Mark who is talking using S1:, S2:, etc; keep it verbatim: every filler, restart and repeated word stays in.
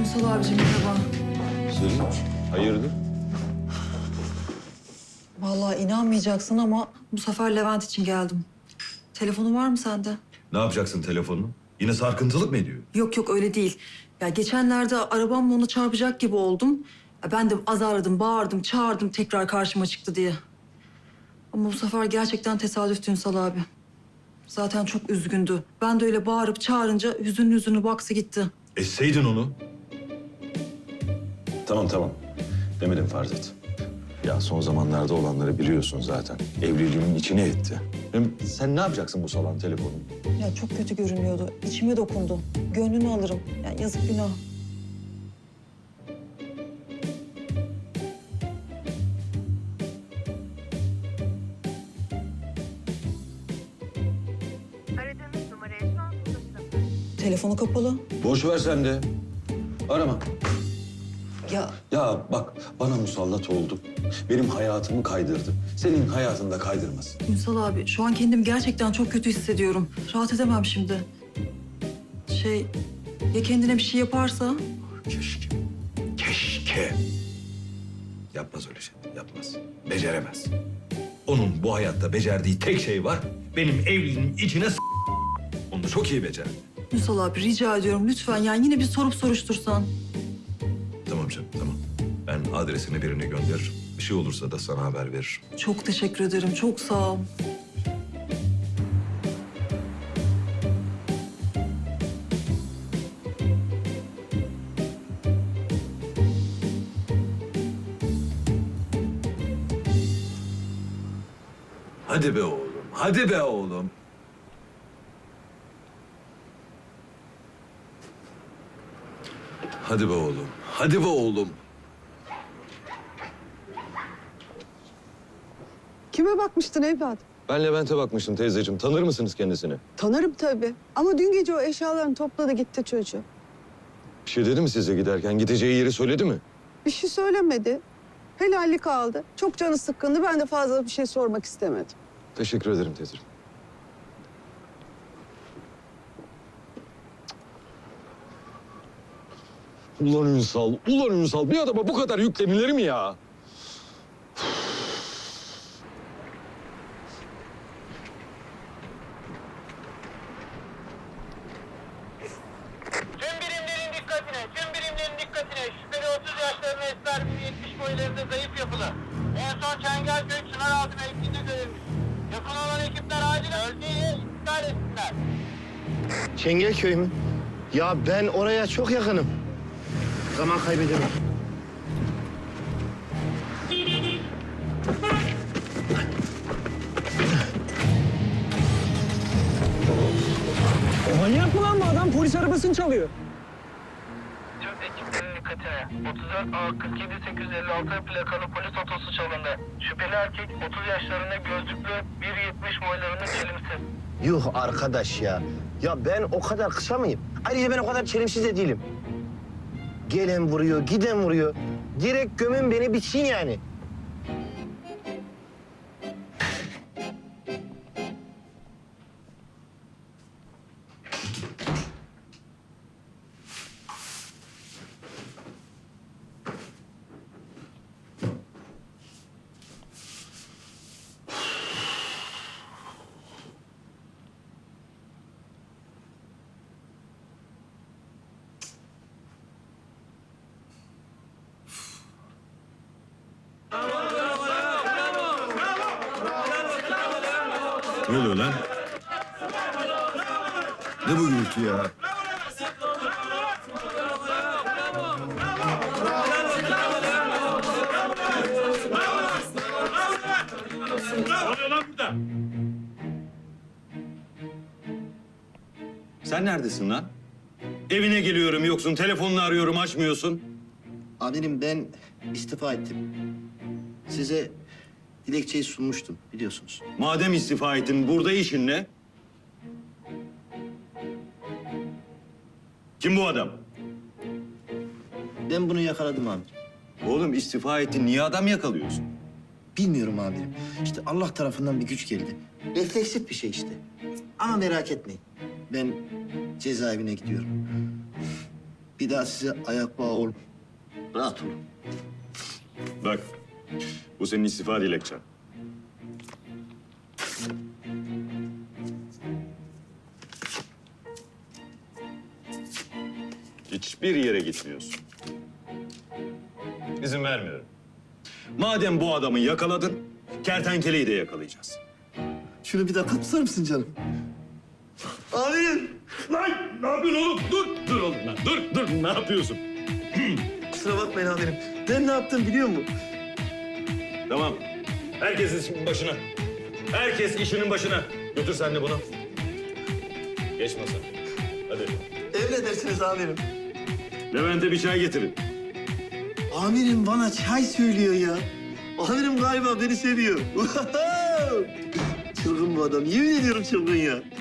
S1: Ünsal abicim merhaba.
S2: Selin, hayırdır?
S1: Vallahi inanmayacaksın ama bu sefer Levent için geldim. Telefonu var mı sende?
S2: Ne yapacaksın telefonunu? Yine sarkıntılık mı ediyor?
S1: Yok yok öyle değil. Ya geçenlerde arabamla onu çarpacak gibi oldum. Ya ben de azarladım, bağırdım, çağırdım tekrar karşıma çıktı diye. Ama bu sefer gerçekten tesadüftü Ünsal abi. Zaten çok üzgündü. Ben de öyle bağırıp çağırınca hüzünlü hüzünlü baksı gitti.
S2: Esseydin onu. Tamam tamam. Demedim farz et. Ya son zamanlarda olanları biliyorsun zaten. Evliliğimin içine etti. Hem sen ne yapacaksın bu salon telefonu?
S1: Ya çok kötü görünüyordu. İçime dokundu. Gönlünü alırım. Ya yazık günah.
S3: Aradığınız numaraya şu an ulaşılamıyor.
S1: Telefonu kapalı.
S2: Boş ver sen de. Arama.
S1: Ya
S2: Ya bak bana musallat oldu. Benim hayatımı kaydırdı. Senin hayatını da kaydırmasın.
S1: Ünsal abi şu an kendimi gerçekten çok kötü hissediyorum. Rahat edemem şimdi. Şey ya kendine bir şey yaparsa?
S2: Keşke. Keşke. Yapmaz öyle şey. Yapmaz. Beceremez. Onun bu hayatta becerdiği tek şey var. Benim evliliğimin içine s***. Onu da çok iyi becerdi.
S1: Ünsal abi rica ediyorum lütfen yani yine bir sorup soruştursan.
S2: Tamam canım tamam. Ben adresini birine gönderirim. Bir şey olursa da sana haber veririm.
S1: Çok teşekkür ederim çok sağ ol.
S2: Hadi be oğlum. Hadi be oğlum. Hadi be oğlum. Hadi be oğlum.
S4: Kime bakmıştın evladım?
S2: Ben Levent'e bakmıştım teyzeciğim. Tanır mısınız kendisini?
S4: Tanırım tabii. Ama dün gece o eşyalarını topladı gitti çocuğu.
S2: Bir şey dedi mi size giderken? Gideceği yeri söyledi mi?
S4: Bir şey söylemedi. Helallik aldı. Çok canı sıkkındı. Ben de fazla bir şey sormak istemedim.
S2: Teşekkür ederim teyzeciğim. Ulan Ünsal, ulan Ünsal. Bir adama bu kadar yüklenilir mi ya?
S5: Tüm birimlerin dikkatine, tüm birimlerin dikkatine. Şüpheli otuz yaşlarında esmer, yetmiş boylarında zayıf yapılı. En son Çengelköy Çınaraltı mevkiinde görülmüş. Yakın olan ekipler acilen bölgeyi iptal etsinler.
S6: Çengelköy mü? Ya ben oraya çok yakınım. Zaman kaybedemem.
S7: Manyak mı lan bu adam? Polis arabasını çalıyor.
S5: Tüm ekiplerin dikkatine. otuz dört A kırk yedi sekiz yüz elli altı plakalı polis otosu çalındı. Şüpheli erkek otuz yaşlarında gözlüklü, bir yetmiş boylarında çelimsiz.
S6: Yuh arkadaş ya. Ya ben o kadar kısa mıyım? Ayrıca ben o kadar çelimsiz de değilim. Gelen vuruyor, giden vuruyor. Direkt gömün beni bitsin yani.
S2: Ne oluyor lan? Ne bu gürültü ya? Sen neredesin lan? Evine geliyorum yoksun, telefonunu arıyorum açmıyorsun.
S6: Amirim ben istifa ettim. Size dilekçeyi sunmuştum biliyorsunuz.
S2: Madem istifa ettin, burada işin ne? Kim bu adam?
S6: Ben bunu yakaladım amirim.
S2: Oğlum istifa ettin, niye adam yakalıyorsun?
S6: Bilmiyorum amirim. İşte Allah tarafından bir güç geldi. Refleksif bir şey işte. Ama merak etmeyin. Ben cezaevine gidiyorum. Bir daha size ayak bağı olun. Rahat olun.
S8: Bak, bu senin istifa dilekçen. Hiçbir yere gitmiyorsun. İzin vermiyorum. Madem bu adamı yakaladın, kertenkeleyi de yakalayacağız.
S6: Şunu bir dakika tutar mısın canım? Amirim.
S8: Lan ne yapıyorsun oğlum? Dur, dur oğlum lan. Dur, dur. Ne yapıyorsun?
S6: Kusura bakmayın amirim. Ben ne yaptım biliyor musun?
S8: Tamam. Herkes işinin başına. Herkes işinin başına. Götür sen de bunu. Geç masa. Hadi.
S6: Emredersiniz amirim.
S8: Levent'e bir çay getirin.
S6: Amirim bana çay söylüyor ya. Amirim galiba beni seviyor. Çılgın bu adam. Yemin ediyorum çılgın ya.